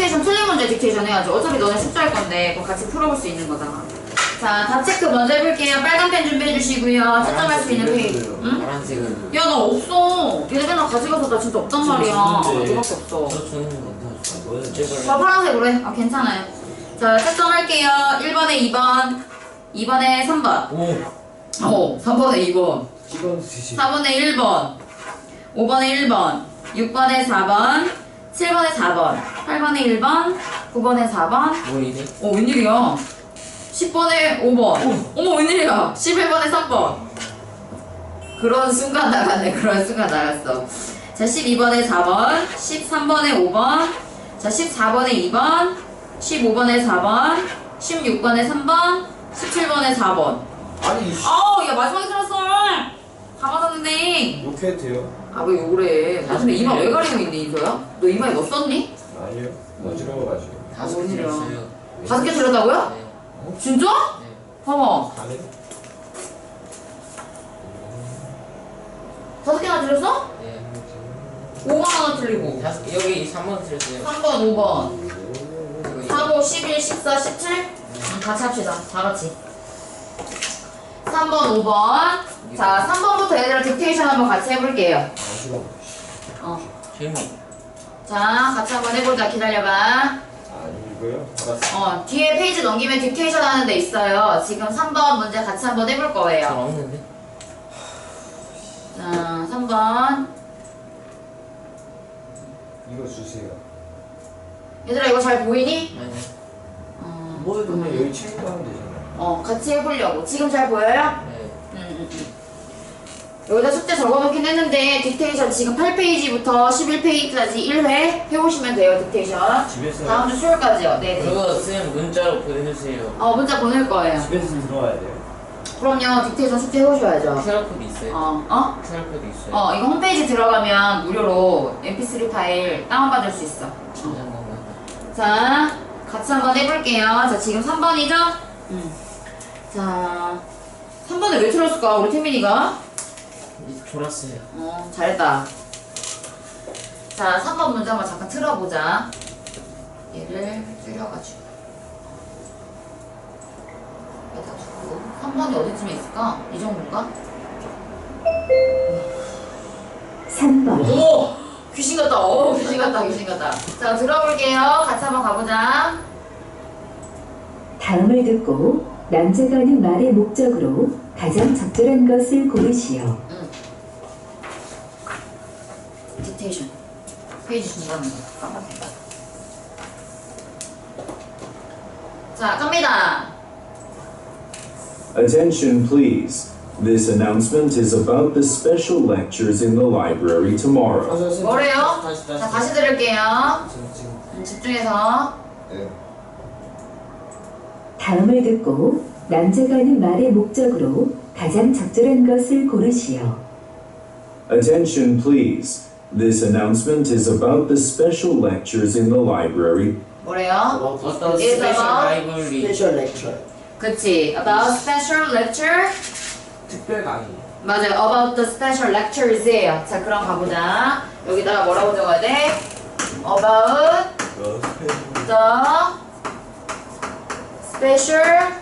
딕테이션 틀린 문제 딕테이션 해야지. 어차피 너네 숙제할 건데 그거 같이 풀어볼 수 있는 거잖아. 자, 다 체크 먼저 해볼게요. 빨간 펜 준비해 주시고요. 채점할 수 있는 페이지. 응? 파란색은 야, 나 없어. 얘네 맨날 가져가서 나 진짜 없단 말이야. 너밖에 없어. 저 주는 건다 저 파란색으로 해. 아, 괜찮아요. 자, 채점할게요. 1번에 2번, 2번에 3번. 오 3번에 2번. 4번에 1번, 5번에 1번, 6번에 4번, 7번에 4번, 8번에 1번, 9번에 4번. 뭐이네? 웬일이야? 10번에 5번. 어머, 웬일이야? 11번에 3번. 그런 순간 나갔네. 그런 순간 나갔어. 자, 12번에 4번, 13번에 5번, 자, 14번에 2번, 15번에 4번, 16번에 3번, 17번에 4번. 아니 아우, 야, 마지막에 틀었어. 다 맞았는데. 욕해도 돼요? 아, 왜 욕을 해? 나 근데 이마 왜 가리고 있니, 이소야? 너 이마에 뭐 썼니? 아니요 어지러워가지고 다섯 개 웬일이야. 들었어요. 5개 틀렸다고요? 네. 진짜? 네. 봐봐. 가네? 5개나 틀렸어? 네. 5번 하나 틀리고. 여기 3번 들었어요. 3번, 5번. 4, 5, 11, 14, 17? 같이 합시다. 다 같이. 3번, 5번. 자, 3번부터 얘들아 딕테이션 한번 같이 해볼게요. 어지러워 재미. 자, 같이 한번 해보자. 기다려봐. 이거요? 알았어 뒤에 페이지 넘기면 딕테이션 하는 데 있어요. 지금 3번 문제 같이 한번 해볼 전 거예요. 없는데. 자, 3번. 이거 주세요 얘들아, 이거 잘 보이니? 아니. 뭐 그러면 여기 책임도 하면 되잖아 같이 해보려고. 지금 잘 보여요? 네. 여기다 숙제 적어놓긴 했는데 딕테이션 지금 8페이지부터 11페이지까지 1회 해오시면 돼요. 딕테이션 집에서 다음 주 수요일까지요. 네네. 그거 쌤 문자로 보내주세요. 문자 보낼 거예요. 집에서 들어와야 돼요 그럼요. 딕테이션 숙제 해오셔야죠. QR코드 있어요? QR코드 있어요? 이거 홈페이지 들어가면 무료로 mp3 파일 다운받을 수 있어. 진짜 건가요? 자, 같이 한번 해볼게요. 자, 지금 3번이죠? 자, 3번을 왜 틀었을까? 우리 태민이가? 졸았어요. 잘했다. 자, 3번 문제 한번 잠깐 틀어보자. 얘를 줄여가지고. 여기다 두고. 3번이 어디쯤에 있을까? 이 정도인가? 3번, 오! 귀신 같다. 귀신 같다. 귀신 같다. 자, 들어볼게요. 같이 한번 가보자. 다음을 듣고 남자가 하는 말의 목적으로 가장 적절한 것을 고르시오. 딕테이션. 페이지 중간에 깜빡해. 자, 갑니다. Attention, please. This announcement is about the special lectures in the library tomorrow. 뭐래요? 다시 자, 다시 들을게요. 지금 집중해서. 네. 다음을 듣고 남자가 하는 말의 목적으로 가장 적절한 것을 고르시오. Attention, please. This announcement is about the special lectures in the library. 뭐래요? 어떤 Is 스페셜 about 라이브러리. 스페셜 렉처 그치. About special lecture. 특별 강의 맞아요. About the special lectures예요. 자, 그럼 가보자. 여기다가 뭐라고 적어야 돼? About the special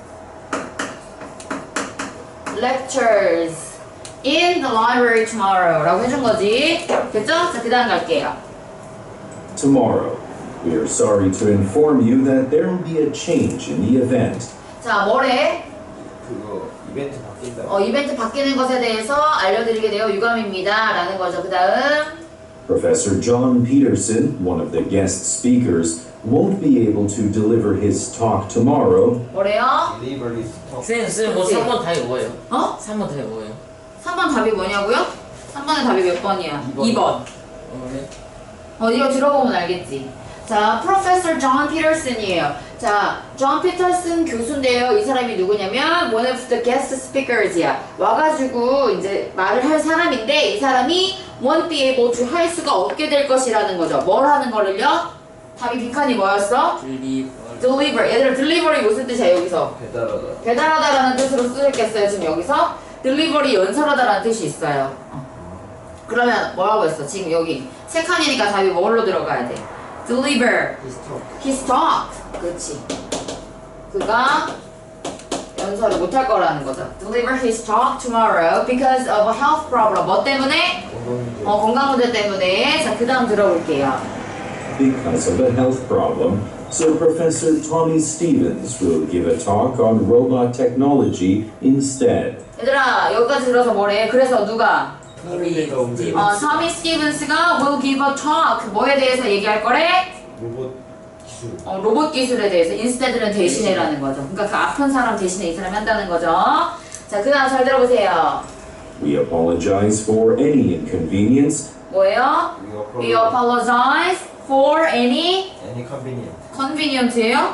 lectures in the library tomorrow 라고 해준 거지. 됐죠? 자, 그 다음 갈게요. Tomorrow. We are sorry to inform you that there will be a change in the event. 자, 뭐래? 그거 이벤트 바뀐다 이벤트 바뀌는 것에 대해서 알려드리게 되어 유감입니다. 라는 거죠. 그 다음. Professor John Peterson, one of the guest speakers, won't be able to deliver his talk tomorrow. 뭐래요? 딜리버리 스톱 쌤, 뭐 그치? 3번 답이 뭐예요? 3번 답이 뭐예요? 3번 답이 뭐냐고요? 3번의 답이 몇 번이야? 2번. 네. 이거 들어보면 알겠지. 자, Professor John Peterson이에요. 자, John Peterson 교수인데요. 이 사람이 누구냐면 one of the guest speakers이야. 와가지고 이제 말을 할 사람인데 이 사람이 won't be able to 할 수가 없게 될 것이라는 거죠. 뭘 하는 거를요? 답이 빈칸이 뭐였어? deliver. 얘들아, delivery 무슨 뜻이야 여기서? 배달하다 배달하다라는 뜻으로 쓰였겠어요. 지금 여기서 delivery 연설하다라는 뜻이 있어요. 그러면 뭐라고 했어? 지금 여기 세 칸이니까 답이 뭘로 들어가야 돼? deliver 비스톱. his talk. 그렇지. 그가 연설을 못할 거라는 거죠. Deliver his talk tomorrow because of a health problem. 뭐 때문에? 건강 문제 때문에. 자, 그 다음 들어볼게요. Because of a health problem, so Professor Tommy Stevens will give a talk on robot technology instead. 얘들아, 여기까지 들어서 뭐래? 그래서 누가? 토미 스티븐스가 will give a talk. 뭐에 대해서 얘기할 거래? 로봇 기술. 로봇 기술에 대해서 instead는 대신해라는 거죠. 그러니까 그 아픈 사람 대신에 이 사람이 한다는 거죠. 자, 그 다음 잘 들어보세요. We apologize for any inconvenience. 뭐예요? We apologize for any convenience예요?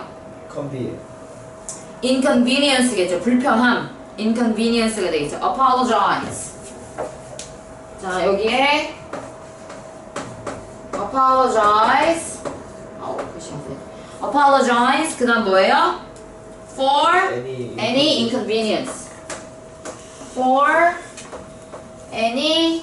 inconvenience겠죠. 불편함. inconvenience가 되겠죠. apologize. 자, 여기에 apologize. apologize. 그 다음 뭐예요? for any inconvenience. for any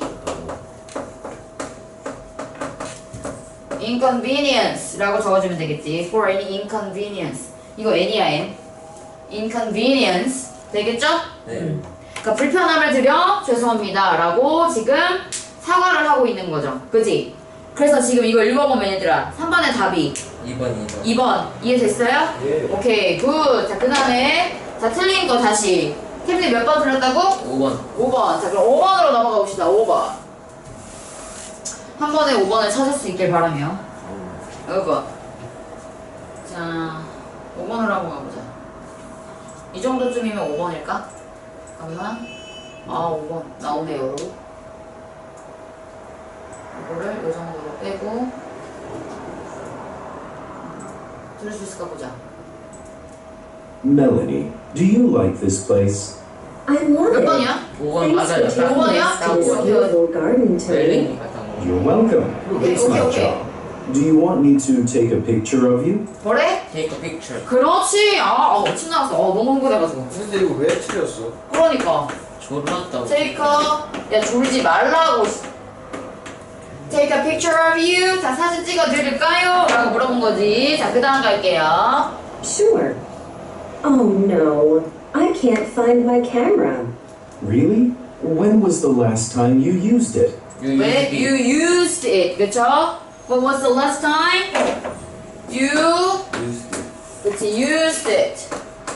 inconvenience라고 적어주면 되겠지. for any inconvenience. 이거 any야, n. inconvenience. 되겠죠? 네. 그러니까 불편함을 드려 죄송합니다 라고 지금 사과를 하고 있는 거죠. 그치? 그래서 지금 이거 읽어보면 얘들아 3번의 답이 2번 이해됐어요? 예. 오케이 굿. 자, 그 다음에 자 틀린 거 다시 태민이 몇 번 틀렸다고? 5번. 5번. 자, 그럼 5번으로 넘어가 봅시다. 5번. 한 번에 5번을 찾을 수 있길 바라며. 5번. 자, 5번으로 한번 가보자. 이 정도쯤이면 5번일까? 잠깐만. 5번. 나오네요. 이거를 이 정도로 빼고. 들을 수 있을까 보자. Melanie, do you like this place? I love 몇 it. 번이야? 5번 Thanks 맞아요. for taking 오번이야? us to this beautiful garden, Tony. 멜링이 갔다 온 거. You're welcome. Okay, It's my okay. job. Do you want me to take a picture of you? 뭐래? Take a picture. 그렇지. 침 나왔어. 너무 흥분해가지고. 근데 이거 왜 틀렸어? 그러니까. 졸랐다고. Take a. 야, 졸지 말라고. Take a picture of you. 자, 사진 찍어드릴까요? 라고 물어본 거지. 자, 그 다음 갈게요. Sure. Oh no, I can't find my camera. Really? When was the last time you used it? 왜? You used it. 그쵸? When was the last time? You. 그치, used it.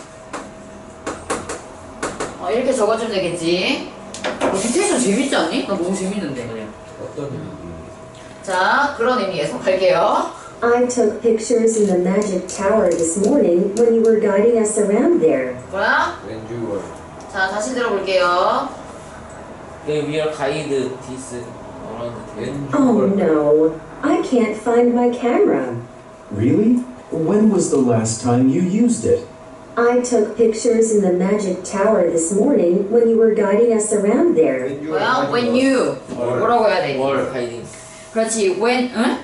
이렇게 적어주면 되겠지. 디테이션 재밌지 않니? 나 너무 재밌는데. 어떤 의미? 자, 그런 의미에서 갈게요. I took pictures in the magic tower this morning when you were guiding us around there. 뭐야? When you were. 자, 다시 들어볼게요. We will guide this around the When you Oh were. no, I can't find my camera. Really? When was the last time you used it? I took pictures in the magic tower this morning when you were guiding us around there. When you 뭐야? were When you. 뭐라고 해야 돼? wall guiding. 그렇지. When, 응?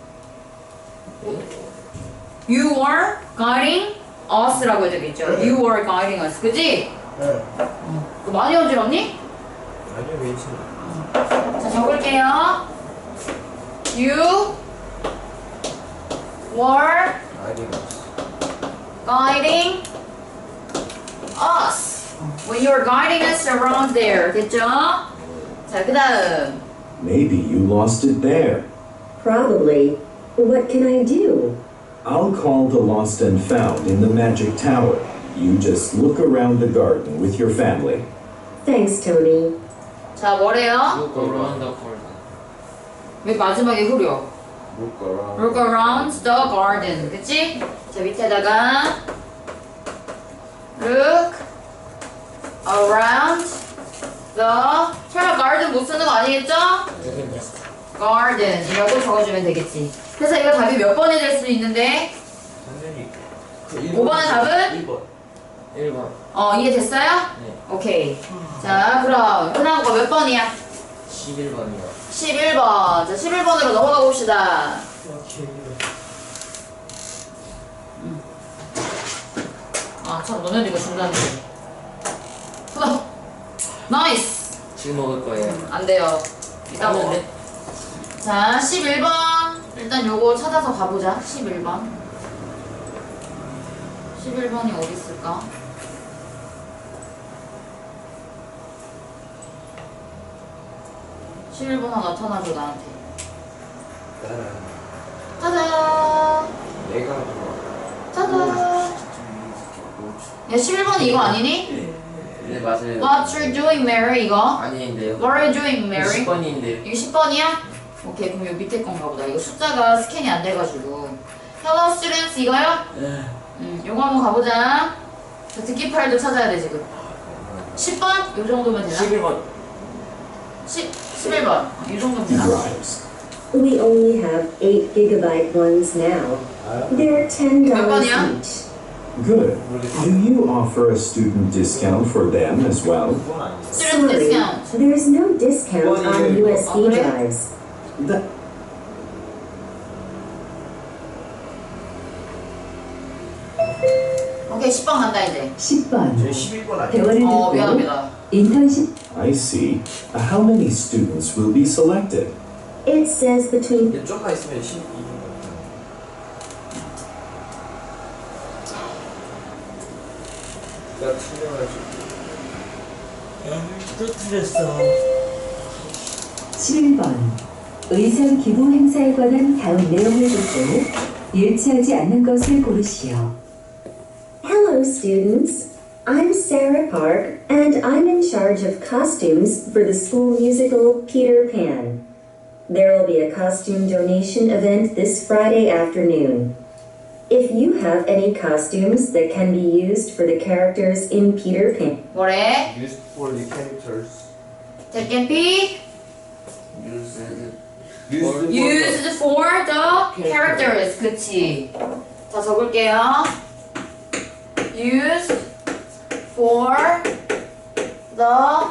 You were guiding us라고 해야 되겠죠. You were guiding us. 그치? 네. 그거 많이 어지럽니? 아니요, 괜찮아. 자, 적을게요. You were guiding us. When you were guiding us around there. 됐죠? 자, 그 다음. Maybe you lost it there. Probably. What can I do? I'll call the lost and found in the magic tower. You just look around the garden with your family. Thanks, Tony. 자, 뭐래요? Look around the corner. 왜 마지막에 흐려? Look around. Look around the garden. 그치? 자, 밑에다가 Look around the 설마 garden 못 쓰는 거 아니겠죠? garden이라고 적어주면 되겠지. 그래서 이거 답이 몇 번이 될 수 있는데? 선생님. 5번의 답은? 2번. 1번. 이해됐어요? 네. 오케이. 자, 그럼 그 다음 거 몇 번이야? 11번이요. 11번. 자, 11번으로 넘어가 봅시다. 참, 너네들 이거 중단해. 나이스! 지금 먹을 거예요. 안 돼요. 이따 먹어. 하는데? 자, 11번. 일단 요거 찾아서 가보자. 11번. 11번이 어디 있을까? 11번 하나 나타나줘 나한테. 짜잔. 내가 짜잔. 야 11번이 이거 아니니? 네 맞아요. What you doing, Mary? 이거? 아닌데요. What are you doing, Mary? 10번인데요. 이거 10번이야? 오케이, 그럼 요 밑에 건가 보다. 이거 숫자가 스캔이 안 돼가지고. Hello, students, 이거요? 요거 한번 가보자. 저 듣기 파일도 찾아야 돼, 지금. 10번? 요 정도면 되나? 11번. 11번. 이 정도면 되나? Drives. We only have 8 gigabyte ones now. They're $10 몇 번이야? each. Good. Do you offer a student discount for them as well? 그건 아니지. Student Sorry, discount. there's no discount on USB Oh, really? drives. That 오케이, 10번 간다, 이제. 10번. 제 11번 아니에요? 대화를 듣고 미안합니다. 인턴십 I see. How many students will be selected? It says between 얘 좀만 있으면 12번 내가 틀려가지고 또 틀렸어. 11번. 의상 기부 행사에 관한 다음 내용을 듣고 일치하지 않는 것을 고르시오. Hello, students. I'm Sarah Park, and I'm in charge of costumes for the school musical Peter Pan. There will be a costume donation event this Friday afternoon. If you have any costumes that can be used for the characters in Peter Pan, 뭐래? Used for the characters. That can be used for the characters. 그치? 자, 적을게요. Used for the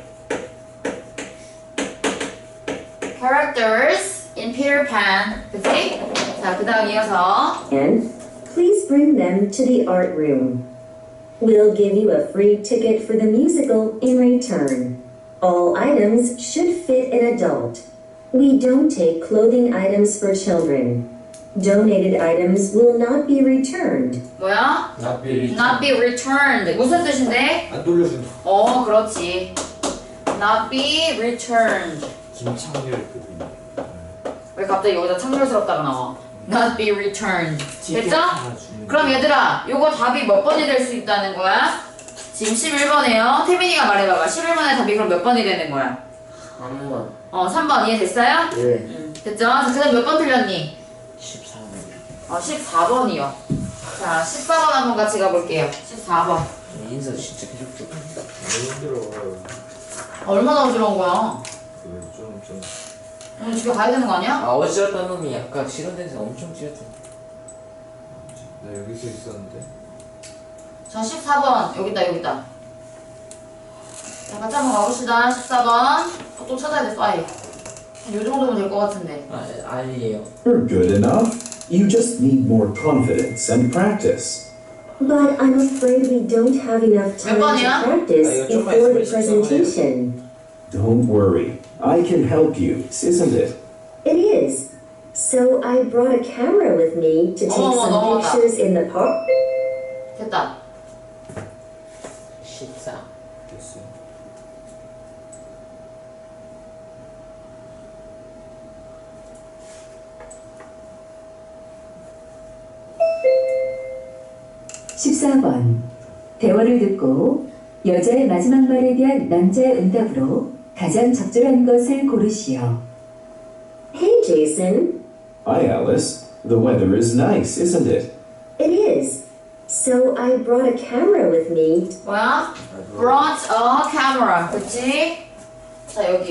characters in Peter Pan. 그치? 자, 그 다음 이어서 and please bring them to the art room. We'll give you a free ticket for the musical in return. All items should fit an adult. We don't take clothing items for children. Donated items will not be returned. 뭐야? Not be Not be returned. 무슨 뜻인데? 안 돌려준다. 그렇지. Not be returned. 김창렬 그분. 왜 갑자기 여기다 창렬스럽다가 나와? Not be returned. 됐죠? 그럼 얘들아, 요거 답이 몇 번이 될 수 있다는 거야? 지금 11번이에요. 태민이가 말해봐봐. 11번의 답이 그럼 몇 번이 되는 거야? 3번. 3번 이해됐어요? 예. 됐죠? 자, 그 다음 몇 번 틀렸니? 14번. 14번이요. 자, 14번 한번 같이 가볼게요. 14번. 인사 진짜 계속 좀. 너무 힘들어. 얼마나 어지러운 거야? 좀. 오늘 집에 가야 되는 거 아니야? 어지럽다는 놈이 아까 실현돼서 엄청 찌렸잖아. 나 여기서 있었는데. 자, 14번. 여기다. 자, 같이 한번 가봅시다. 14번. 또 찾아야 돼, 파일. 요 정도면 될 것 같은데. 아니에요. You're good enough. You just need more confidence and practice. But I'm afraid we don't have enough time 번이야? to practice 아, 이거 좀만 before the 있으면 14번 presentation. Don't worry. I can help you, isn't it? It is. So I brought a camera with me to take some 넘어갔다. pictures in the park. 됐다. 14. 됐어요. (14번) 대화를 듣고 여자의 마지막 말에 대한 남자의 응답으로 가장 적절한 것을 고르시오. Hey, Jason. Hi, Alice. The weather is nice, isn't it? It is. So I brought a camera with me. 뭐야? Brought a camera. 그치? 자, 여기.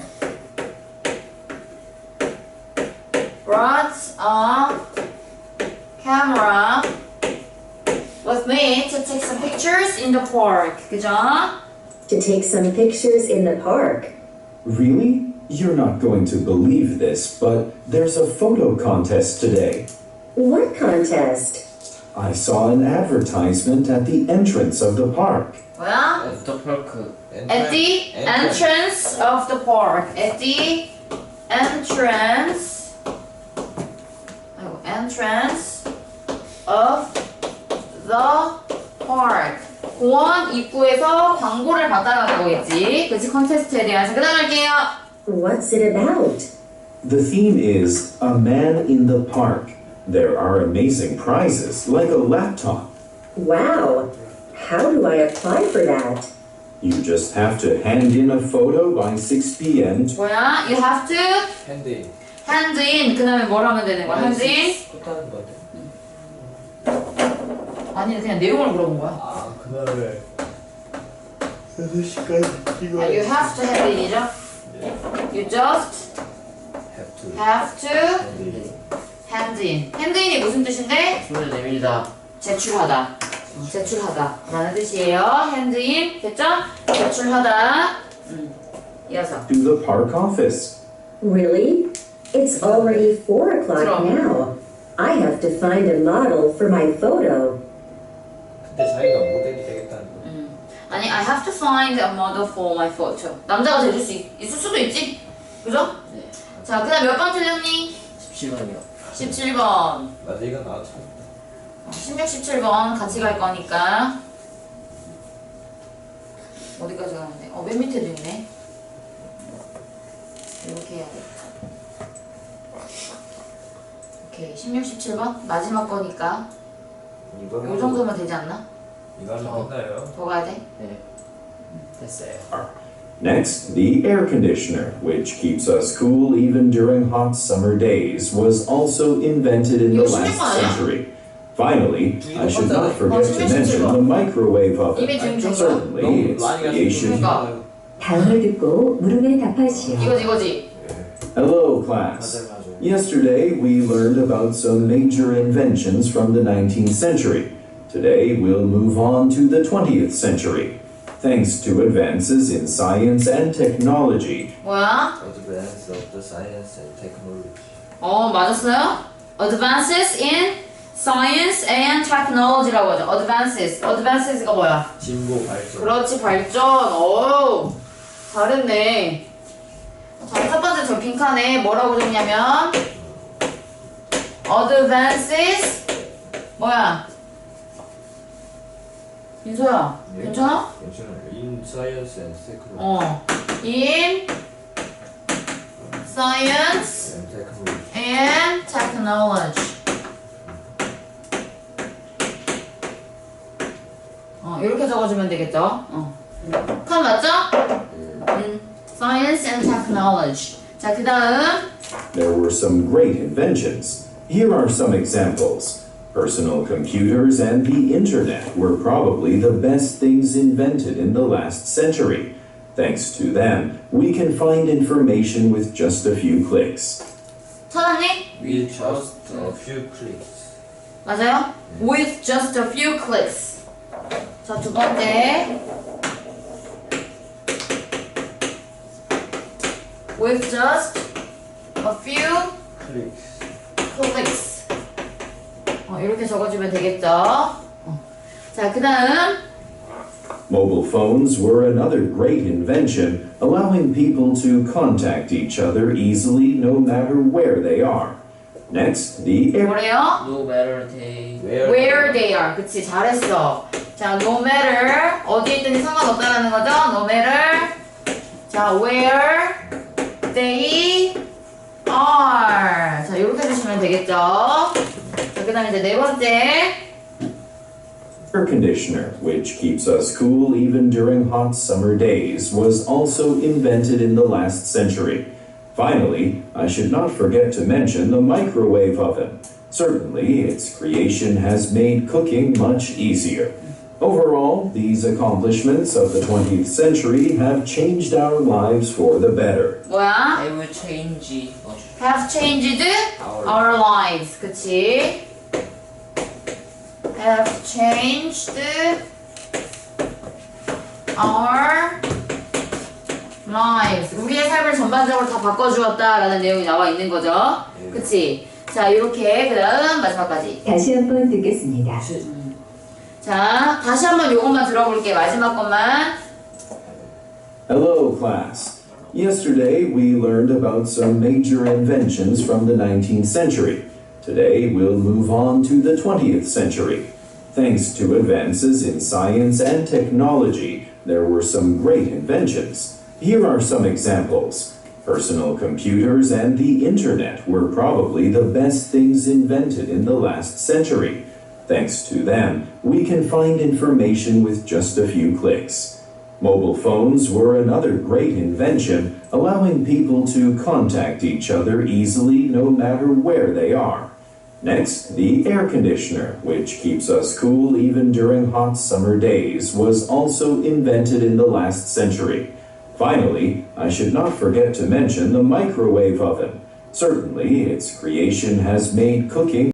Brought a camera with me to take some pictures in the park. 그죠? To take some pictures in the park. Really? You're not going to believe this, but there's a photo contest today. What contest? I saw an advertisement at the entrance of the park. 뭐야? 애프터파크. At the entrance of the park. At the entrance entrance of the park. 공원 입구에서 광고를 받아가는 거겠지. 그치, 컨테스트에 대한. 자, 그 다음 할게요. What's it about? The theme is A Man in the Park. There are amazing prizes, like a laptop. Wow. How do I apply for that? You just have to hand in a photo by 6 p.m. 뭐야? You have to 핸드. hand in. 그 다음에 뭘 하면 되는 거야? hand in? 끝나는 거 같아. 아니, 그냥 내용을 물어본 거야. 아, 그날 6시까지 이거 You have to hand in이죠? You just have to. have to hand in. hand in이 무슨 뜻인데? 손을 내밀다. 제출하다. 제출하다 라는 뜻이에요. hand in. 됐죠? 제출하다. 이어서. to the park office. Really? It's already 4 o'clock 그럼. now. I have to find a model for my photo. 근데 자기가 모델이 되겠다는 거. 아니, I have to find a model for my photo. 남자가 돼줄 수 있을 수도 있지. 그죠? 네. 자, 그 다음 몇 번 틀렸니? 17번이요. 17번. 맞아, 이건 나왔어. 16, 17번 같이 갈 거니까. 어디까지 가는데? 맨 밑에도 있네. 이렇게 해야겠다. 오케이, 16, 17번 마지막 거니까. 요 정도면 되지 않나? 이거 하면 끝나요. 더 가야 돼? 네. 됐어요. Next, the air conditioner, which keeps us cool even during hot summer days, was also invented in the 이거 last 16번 아니야? century. Finally, I should not forget to mention the microwave oven. 이미 지금 준 거야. Certainly, its creation. 그러니까. 다음을 듣고 물음에 답하시오. 이거지. Hello, class. 맞아요. Yesterday, we learned about some major inventions from the 19th century. Today, we'll move on to the 20th century. Thanks to advances in science and technology, 뭐야? Advance of the science and technology. 맞았어요? Advances in science and technology라고 하죠. Advances가 뭐야? 진보 발전. 그렇지, 발전. 오, 잘했네. 자, 첫 번째 저 빈칸에 뭐라고 적냐면 Advances 뭐야? 민서야, 예? 괜찮아? 괜찮아요. In science and technology. In science And technology. and technology. 이렇게 적어주면 되겠죠? 칸 맞죠? Science and technology. 자, 그 다음. there were some great inventions. Here are some examples. Personal computers and the internet were probably the best things invented in the last century. Thanks to them, we can find information with just a few clicks. 찾았니? With just A few clicks. 맞아요? With just a few clicks. 자, 두 번째. With just a few Clicks. clicks. 이렇게 적어주면 되겠죠? 자, 그 다음. Mobile phones were another great invention, allowing people to contact each other easily no matter where they are. Next, the air 뭐래요? no matter they Where they are. 그치, 잘했어. 자, no matter. 어디에 있든지 상관없다라는 거죠? No matter. 자, where they are. 자, 이렇게 해주시면 되겠죠? 자, 그 다음에 이제 네 번째. air conditioner, which keeps us cool even during hot summer days, was also invented in the last century. Finally, I should not forget to mention the microwave oven. Certainly, its creation has made cooking much easier. Overall, these accomplishments of the 20th century have changed our lives for the better. 뭐야? they will change. Have changed our lives. 그치? Have changed our lives. 우리의 삶을 전반적으로 다 바꿔주었다라는 내용이 나와 있는 거죠. 그치? 자, 이렇게 그 다음 마지막까지. 다시 한번 듣겠습니다. 자, 다시 한번 요것만 들어볼게. 마지막 것만. Hello, class. Yesterday, we learned about some major inventions from the 19th century. Today we'll move on to the 20th century. Thanks to advances in science and technology, there were some great inventions. Here are some examples. Personal computers and the internet were probably the best things invented in the last century. Thanks to them, we can find information with just a few clicks. Mobile phones were another great invention, allowing people to contact each other easily no matter where they are. Next, the air conditioner, which keeps us cool even during hot summer days, was also invented in the last century. Finally, I should not forget to mention the microwave oven. Certainly, its creation has made cooking